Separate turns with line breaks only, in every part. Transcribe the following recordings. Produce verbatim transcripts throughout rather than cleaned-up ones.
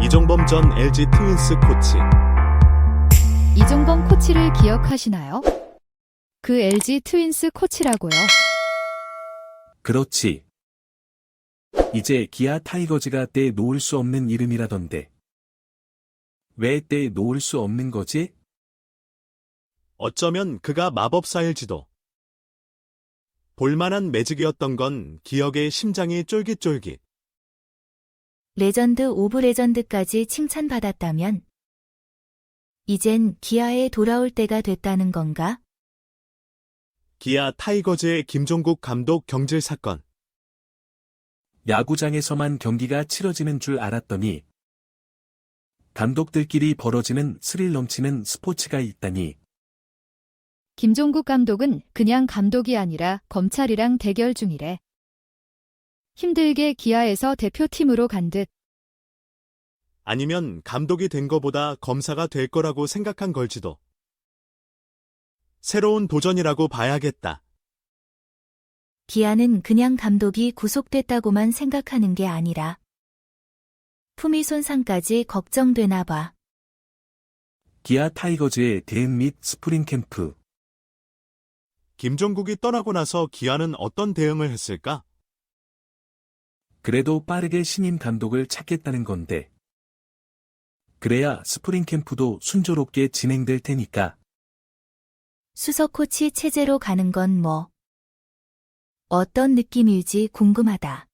이종범 전 엘지 트윈스 코치.
이종범 코치를 기억하시나요? 그 엘지 트윈스 코치라고요.
그렇지. 이제 기아 타이거즈가 떼놓을 수 없는 이름이라던데. 왜 떼놓을 수 없는 거지?
어쩌면 그가 마법사일지도. 볼만한 매직이었던 건 기억의 심장이 쫄깃쫄깃.
레전드 오브 레전드까지 칭찬받았다면 이젠 기아에 돌아올 때가 됐다는 건가?
기아 타이거즈의 김종국 감독 경질 사건.
야구장에서만 경기가 치러지는 줄 알았더니 감독들끼리 벌어지는 스릴 넘치는 스포츠가 있다니.
김종국 감독은 그냥 감독이 아니라 검찰이랑 대결 중이래. 힘들게 기아에서 대표팀으로 간 듯.
아니면 감독이 된 거보다 검사가 될 거라고 생각한 걸지도. 새로운 도전이라고 봐야겠다.
기아는 그냥 감독이 구속됐다고만 생각하는 게 아니라 품위 손상까지 걱정되나 봐.
기아 타이거즈의 대응 및 스프링 캠프.
김종국이 떠나고 나서 기아는 어떤 대응을 했을까?
그래도 빠르게 신임 감독을 찾겠다는 건데. 그래야 스프링 캠프도 순조롭게 진행될 테니까.
수석 코치 체제로 가는 건 뭐 어떤 느낌일지 궁금하다.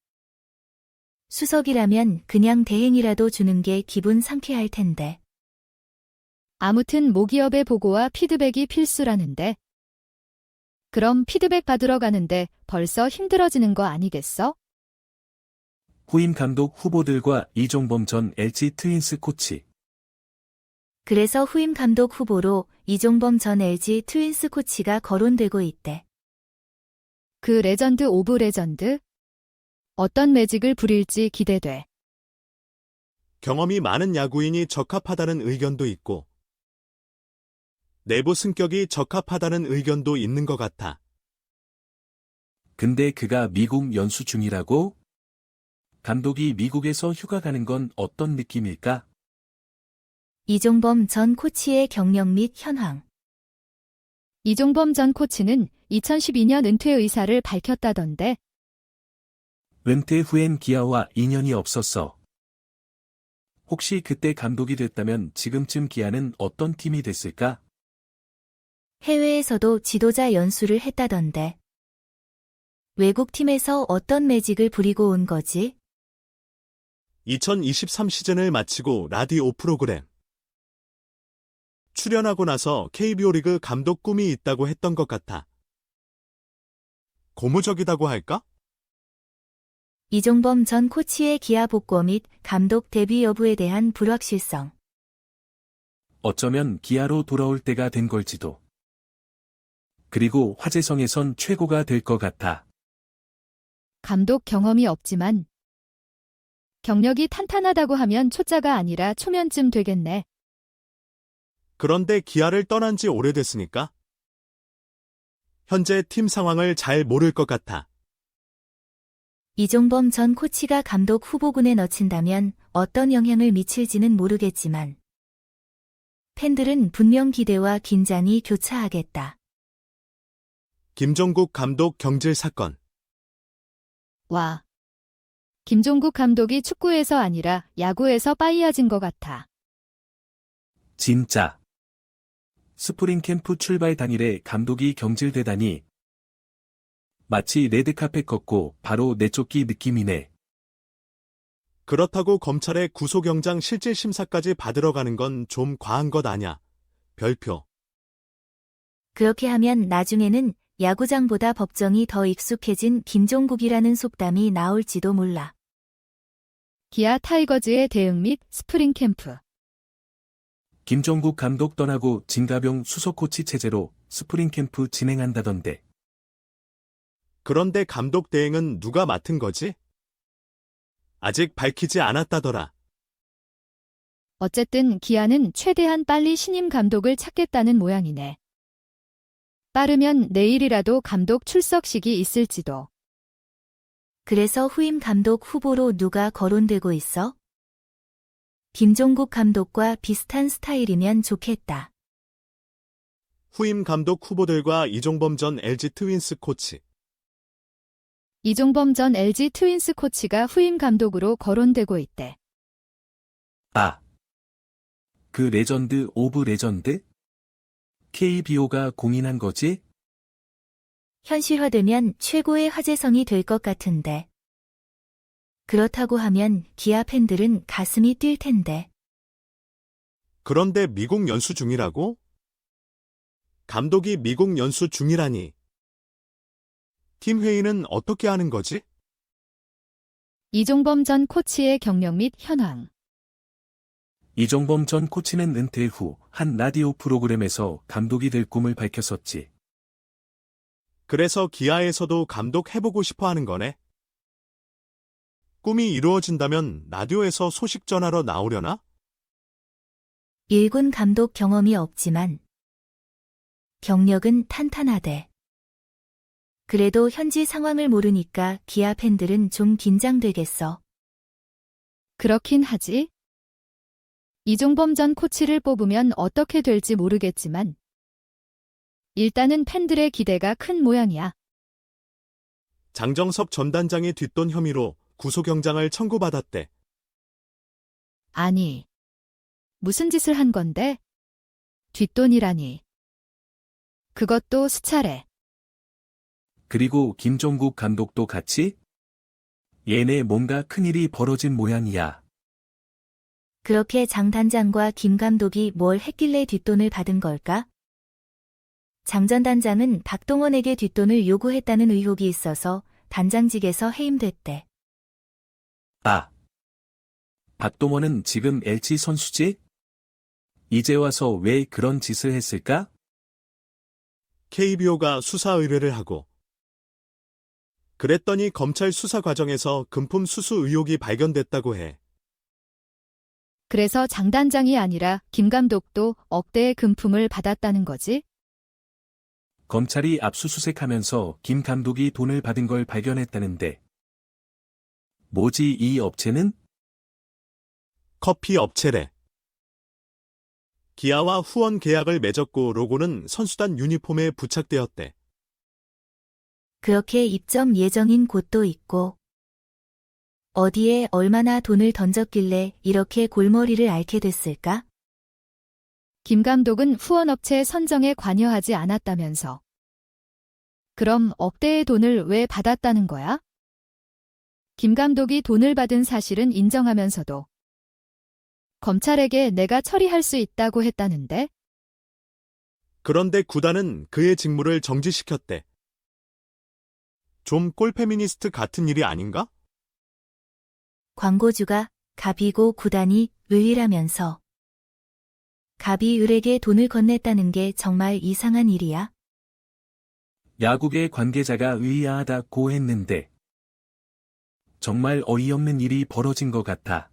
수석이라면 그냥 대행이라도 주는 게 기분 상쾌할 텐데.
아무튼 모기업의 보고와 피드백이 필수라는데. 그럼 피드백 받으러 가는데 벌써 힘들어지는 거 아니겠어?
후임 감독 후보들과 이종범 전 엘지 트윈스 코치.
그래서 후임 감독 후보로 이종범 전 엘지 트윈스 코치가 거론되고 있대.
그 레전드 오브 레전드? 어떤 매직을 부릴지 기대돼.
경험이 많은 야구인이 적합하다는 의견도 있고, 내부 승격이 적합하다는 의견도 있는 것 같아.
근데 그가 미국 연수 중이라고? 감독이 미국에서 휴가 가는 건 어떤 느낌일까?
이종범 전 코치의 경력 및 현황.
이종범 전 코치는 이천십이 년 은퇴 의사를 밝혔다던데.
은퇴 후엔 기아와 인연이 없었어. 혹시 그때 감독이 됐다면 지금쯤 기아는 어떤 팀이 됐을까?
해외에서도 지도자 연수를 했다던데. 외국 팀에서 어떤 매직을 부리고 온 거지?
이천이십삼 시즌을 마치고 라디오 프로그램 출연하고 나서 케이비오 리그 감독 꿈이 있다고 했던 것 같아. 고무적이다고 할까?
이종범 전 코치의 기아 복구 및 감독 데뷔 여부에 대한 불확실성.
어쩌면 기아로 돌아올 때가 된 걸지도. 그리고 화재성에선 최고가 될 것 같아.
감독 경험이 없지만 경력이 탄탄하다고 하면 초짜가 아니라 초면쯤 되겠네.
그런데 기아를 떠난 지 오래됐으니까 현재 팀 상황을 잘 모를 것 같아.
이종범 전 코치가 감독 후보군에 넣힌다면 어떤 영향을 미칠지는 모르겠지만 팬들은 분명 기대와 긴장이 교차하겠다.
김종국 감독 경질 사건.
와. 김종국 감독이 축구에서 아니라 야구에서 빠이어진 것 같아.
진짜. 스프링 캠프 출발 당일에 감독이 경질되다니. 마치 레드카펫 걷고 바로 내쫓기 느낌이네.
그렇다고 검찰의 구속영장 실질심사까지 받으러 가는 건 좀 과한 것 아냐. 별표.
그렇게 하면 나중에는 야구장보다 법정이 더 익숙해진 김종국이라는 속담이 나올지도 몰라.
기아 타이거즈의 대응 및 스프링 캠프.
김종국 감독 떠나고 진가병 수석 코치 체제로 스프링 캠프 진행한다던데.
그런데 감독 대행은 누가 맡은 거지? 아직 밝히지 않았다더라.
어쨌든 기아는 최대한 빨리 신임 감독을 찾겠다는 모양이네. 빠르면 내일이라도 감독 출석식이 있을지도.
그래서 후임 감독 후보로 누가 거론되고 있어? 김종국 감독과 비슷한 스타일이면 좋겠다.
후임 감독 후보들과 이종범 전 엘지 트윈스 코치.
이종범 전 엘지 트윈스 코치가 후임 감독으로 거론되고 있대.
아. 그 레전드 오브 레전드? 케이비오가 공인한 거지?
현실화되면 최고의 화제성이 될 것 같은데. 그렇다고 하면 기아 팬들은 가슴이 뛸 텐데.
그런데 미국 연수 중이라고? 감독이 미국 연수 중이라니. 팀 회의는 어떻게 하는 거지?
이종범 전 코치의 경력 및 현황.
이종범 전 코치는 은퇴 후 한 라디오 프로그램에서 감독이 될 꿈을 밝혔었지.
그래서 기아에서도 감독 해보고 싶어 하는 거네. 꿈이 이루어진다면 라디오에서 소식 전하러 나오려나?
일군 감독 경험이 없지만 경력은 탄탄하대. 그래도 현지 상황을 모르니까 기아 팬들은 좀 긴장되겠어.
그렇긴 하지. 이종범 전 코치를 뽑으면 어떻게 될지 모르겠지만 일단은 팬들의 기대가 큰 모양이야.
장정섭 전 단장의 뒷돈 혐의로 구속영장을 청구받았대.
아니, 무슨 짓을 한 건데? 뒷돈이라니. 그것도 수차례.
그리고 김종국 감독도 같이? 얘네 뭔가 큰일이 벌어진 모양이야.
그렇게 장 단장과 김 감독이 뭘 했길래 뒷돈을 받은 걸까? 장 전 단장은 박동원에게 뒷돈을 요구했다는 의혹이 있어서 단장직에서 해임됐대.
아. 박동원은 지금 엘지 선수지? 이제 와서 왜 그런 짓을 했을까?
케이비오가 수사 의뢰를 하고 그랬더니 검찰 수사 과정에서 금품 수수 의혹이 발견됐다고 해.
그래서 장 단장이 아니라 김 감독도 억대의 금품을 받았다는 거지?
검찰이 압수수색하면서 김 감독이 돈을 받은 걸 발견했다는데. 뭐지 이 업체는?
커피 업체래. 기아와 후원 계약을 맺었고 로고는 선수단 유니폼에 부착되었대.
그렇게 입점 예정인 곳도 있고 어디에 얼마나 돈을 던졌길래 이렇게 골머리를 앓게 됐을까?
김 감독은 후원업체 선정에 관여하지 않았다면서. 그럼 억대의 돈을 왜 받았다는 거야? 김 감독이 돈을 받은 사실은 인정하면서도 검찰에게 내가 처리할 수 있다고 했다는데?
그런데 구단은 그의 직무를 정지시켰대. 좀 꼴페미니스트 같은 일이 아닌가?
광고주가 갑이고 구단이 을이라면서 갑이 을에게 돈을 건넸다는 게 정말 이상한 일이야?
야구계 관계자가 의아하다고 했는데. 정말 어이없는 일이 벌어진 것 같아.